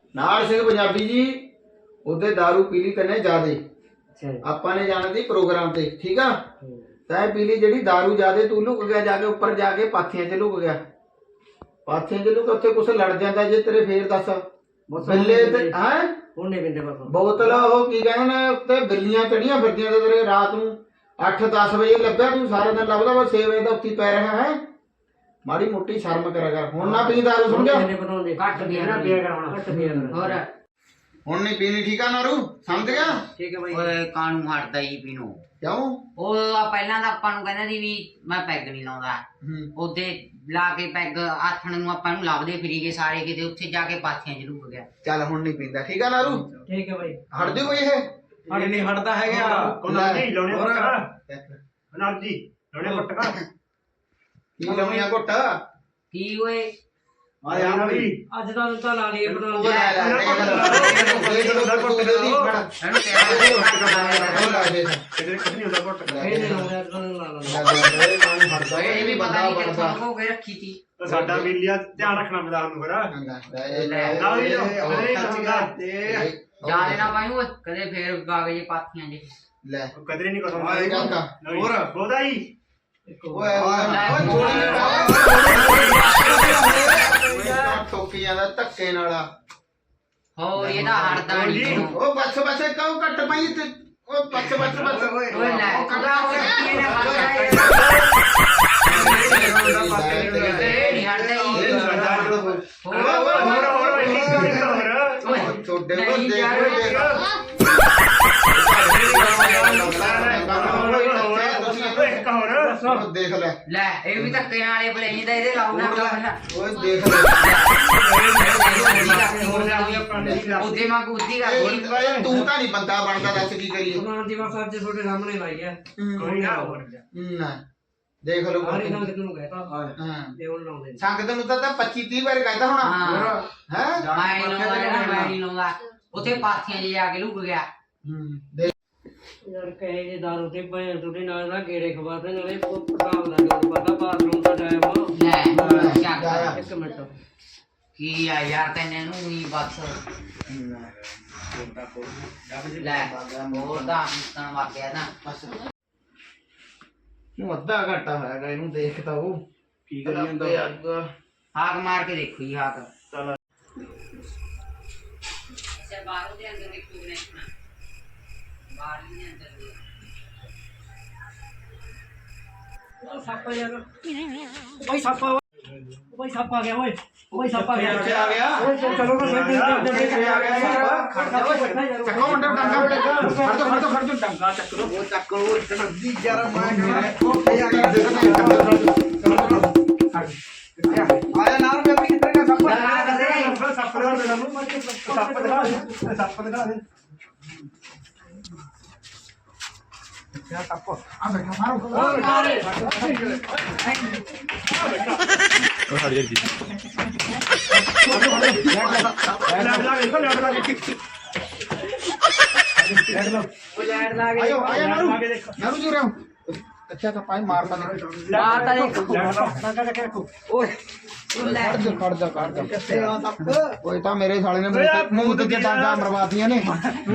नाल सिंह पंजाबी जी उधर दारू पी ली तने ज्यादा ਆਪਾਂ ਨੇ ਜਾਣਾ ਸੀ ਪ੍ਰੋਗਰਾਮ ਤੇ ਠੀਕ ਆ ਤੈਂ ਪੀ ਲਈ ਜਿਹੜੀ दारू ज्यादा तू लुक गया जाके ऊपर जाके पाथियां च लुक गया पाथियां च लुक उत्थे कुछ लड़ जांदा जे तेरे फेर दस बिल्ले ते हैं ਹੁਣ ਨਹੀਂ ਪਿੰਦੇ ਬਸ ਬੋਤਲ ਉਹ ਕੀ ਕਹਿੰਦੇ ਨੇ ਉੱਤੇ ਬਿੱਲੀਆਂ ਚੜੀਆਂ ਫਿਰਦੀਆਂ ਤੇ ਤੇਰੇ ਰਾਤ ਨੂੰ 8-10 ਵਜੇ ਲੱਭਿਆ ਤੂੰ ਸਾਰਾ ਦਿਨ ਲੱਭਦਾ ਬਸ 6 ਵਜੇ ਦਾ ਉੱਤੀ ਪੈ ਰਿਹਾ ਹੈ ਮਾੜੀ ਮੋਟੀ ਸ਼ਰਮ ਕਰਿਆ ਕਰ ਹੁਣ ਨਾ ਪੀ दारू ਸੁਣ ਗਿਆ ਘੱਟ ਪੀਆ ਨਾ ਪੀਆ ਕਰ ਹੁਣ ਘੱਟ ਪੀਆ ਕਰ ਹੋਰ ਹੁਣ ਨਹੀਂ ਪੀਣੀ ਠੀਕ ਆ ਨਾਰੂ ਸਮਝ ਗਿਆ ਠੀਕ ਹੈ ਬਾਈ ਓਏ ਕਾਨੂੰ ਹਟਦਾ ਹੀ ਪੀਣੋ ਕਿਉਂ ਉਹ ਪਹਿਲਾਂ ਤਾਂ ਆਪਾਂ ਨੂੰ ਕਹਿੰਦਾ ਸੀ ਵੀ ਮੈਂ ਪੈਗ ਨਹੀਂ ਲਾਉਂਦਾ ਉਹਦੇ ਲਾ ਕੇ ਪੈਗ ਆਥਣ ਨੂੰ ਆਪਾਂ ਨੂੰ ਲੱਭਦੇ ਫਿਰੀ ਗਏ ਸਾਰੇ ਕਿਤੇ ਉੱਥੇ ਜਾ ਕੇ ਪਾਥੀਆਂ ਚ ਲੁਕ ਗਿਆ ਚੱਲ ਹੁਣ ਨਹੀਂ ਪੀਂਦਾ ਠੀਕ ਆ ਨਾਰੂ ਠੀਕ ਹੈ ਬਾਈ ਹਟ ਦਿਓ ਬਈ ਇਹ ਨਹੀਂ ਹਟਦਾ ਹੈਗਾ ਉਹਨਾਂ ਨਹੀਂ ਲਾਉਣੇ ਪਟਕਾ ਨਾਰ ਜੀ ਲਾਉਣੇ ਪਟਕਾ ਕੀ ਲਾਉਣੀਆਂ ਘੁੱਟ ਕੀ ਓਏ ਆ ਯਾਰ ਬਈ ਅੱਜ ਦਾ ਤਾਂ ਲਾ ਲਈਏ ਬਣਾ ਇਹਨੂੰ ਕਿਹਨੇ ਹੁੰਦਾ ਘੁੱਟ ਇਹ ਨਹੀਂ ਲਾਉਂਦਾ ਇਹ ਵੀ ਪਤਾ ਨਹੀਂ ਕਿੱਥੋਂ ਹੋ ਕੇ ਰੱਖੀ ਸੀ ਸਾਡਾ ਵੀ ਲਿਆ ਧਿਆਨ ਰੱਖਣਾ ਮੈਦਾਨ ਨੂੰ ਫਿਰ ਜਾਣੇ ਨਾ ਪਾਈ ਓਏ ਕਦੇ ਫੇਰ ਕਾਗਜ਼ ਪਾਥੀਆਂ ਜੇ ਲੈ ਕਦੇ ਨਹੀਂ ਕਸਮ ਹੋਰ ਬੋਦਾ ਹੀ ਓਏ ਟੋਕੀ ਜਾਂਦਾ ਧੱਕੇ ਨਾਲ ਹੋਰ ਇਹਦਾ ਹੜਦਾ ਨਹੀਂ ਉਹ ਬੱਸ ਕਹੋ ਕੱਟ ਪਈ ਤੇ ਉਹ ਬੱਸ ਓਏ ਲੈ ਕਦਾ ਹੋਇਆ ਕੀ ਨੇ ਨਹੀਂ ਹੜਦਾ ਹੀ ਹੋਰ ਛੋਡੇ देख ले ले ये भी धक्के नाले बलेनी दा इधर लाओ ना ओए देख ले ओदे मां गुद्दी कर तू ता नहीं बंदा बनदा दस की करिए कुरान दी बस आज छोटे सामने लाई है कोई ना देख लो अरे ना कितनु कहता हां ये उन लाउंदे संगत नु ता 25 30 बार कहता होना हैं मैं नहीं लाऊंगा ओथे पाथियां जे जाके लुक गया यार कहे जे दारू ते भाई टूटे नाल ना गेड़े खवाते नाले काम लगे पता बाथरूम का टाइम ले क्या एक मिनट की यार तने नु ही बस ले मोर दा इंसान वा गया ना बस नु अद्धा घंटा होएगा इनु देखता वो की करी ਜਾਂਦਾ हाक मार के देखो ही हाक चल से बाहर दे अंदर देखो ने बाहर नहीं अंदर सापा यार भाई सापा आ गया ओए भाई सापा आ गया चलो ना आ गया चक्को मंडप डंगा फड़ दो डंगा चक्को वो चक्को जल्दी जरा आया नार में अपनी कितने का सापा दिखा दे क्या टप्पो आ बैठा मारो ओ हट जा जी आयो आया नारू जो रहा हूं अच्छा का पाई मारता देखो ओए खड़ जा कोई तो मेरे साले ने मुंह ते डांगा मरवातियां ने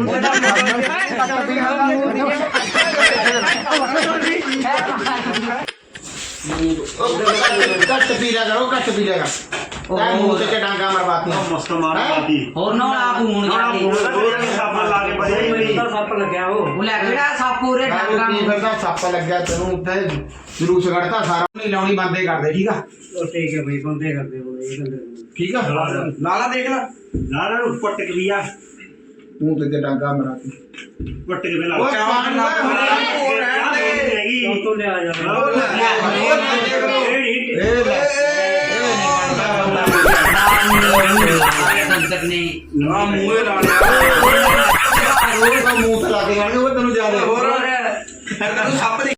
कट पी लेगा मुंह ते डांगा मरवातियां मस्त मारवाती और ना आप हुन सप लागे बजे सप लगया वो लगड़ा सप पूरे डांगा की फिरदा सप लग गया तेनू उत्ते जुलूस कढ़ता सारा नहीं लाउनी बंदे कर दे ठीक है ठीक है भाई बंदे कर दे ठीक है लाला देख ला लाला नु पटक लिया तू ते डांगा मराती पटक में ला तो ले आ जा मुंह ला के वो तेन ज्यादा